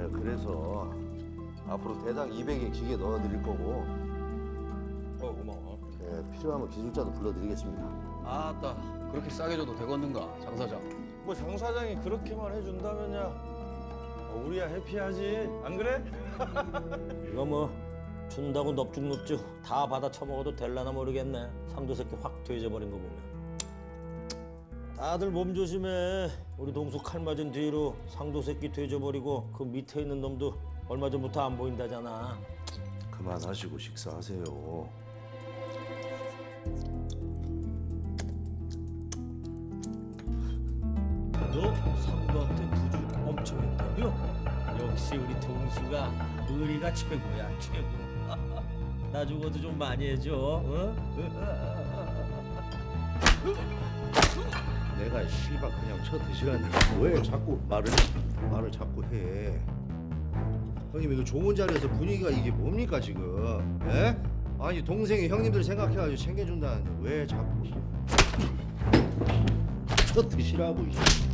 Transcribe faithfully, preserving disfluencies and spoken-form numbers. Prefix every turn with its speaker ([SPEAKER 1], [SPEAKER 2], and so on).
[SPEAKER 1] 네, 그래서 앞으로 대당 이백에 기계 넣어드릴 거고
[SPEAKER 2] 어 고마워.
[SPEAKER 1] 네, 필요하면 기술자도 불러드리겠습니다.
[SPEAKER 3] 아따 그렇게 싸게 줘도 되겠는가 장 사장.
[SPEAKER 2] 뭐 장 사장이 그렇게만 해준다면야 어, 우리야 해피하지 안 그래?
[SPEAKER 4] 이거 뭐 준다고 넙죽넙죽 다 받아 처먹어도 될라나 모르겠네. 상도 새끼 확 돼져버린 거 보면. 다들 몸 조심해. 우리 동수 칼 맞은 뒤로 상도 새끼 돼져버리고 그 밑에 있는 놈도 얼마 전부터 안 보인다잖아.
[SPEAKER 1] 그만하시고 식사하세요.
[SPEAKER 4] 너 상도한테 부주 엄청 했다며? 역시 우리 동수가 의리가 최고야 최고. 나 죽어도 좀 많이 해줘. 어?
[SPEAKER 1] 내가 씨발 그냥 쳐 드시라니까 왜 자꾸 말을 말을 자꾸 해? 형님 이거 좋은 자리에서 분위기가 이게 뭡니까 지금? 예? 아니 동생이 형님들 생각해가지고 챙겨준다는데 왜 자꾸 쳐 드시라고.